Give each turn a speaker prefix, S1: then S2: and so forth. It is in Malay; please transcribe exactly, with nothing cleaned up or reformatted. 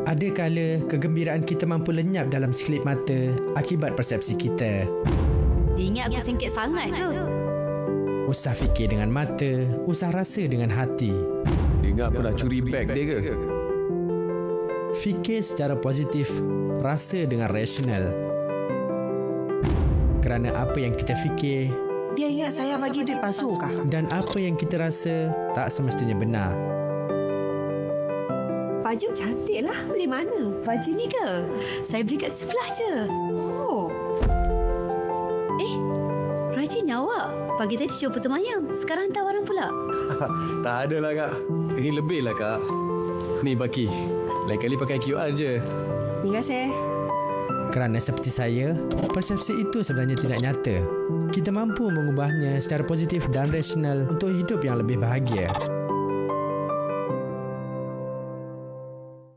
S1: Ada kala kegembiraan kita mampu lenyap dalam sekelip mata akibat persepsi kita.
S2: Dia ingat aku sengket sangat ke?
S1: Usah fikir dengan mata, usah rasa dengan hati.
S3: Dia ingat aku nak curi beg dia ke?
S1: Fikir secara positif, rasa dengan rasional. Kerana apa yang kita fikir
S4: Dia ingat saya bagi duit palsu kah?
S1: dan apa yang kita rasa tak semestinya benar.
S4: Baju cantik lah. Beli mana?
S2: Baju ni ke? Saya beli kat sebelah je.
S4: Oh,
S2: Eh, rajinnya awak. Pagi tadi jual putu mayam. Sekarang hantar orang pula.
S3: Tak ada lah kak. Ini lebih lah kak. Ni Baki. Lain kali pakai Q R je.
S4: terima kasih.
S1: Kerana seperti saya, persepsi itu sebenarnya tidak nyata. Kita mampu mengubahnya secara positif dan rasional untuk hidup yang lebih bahagia.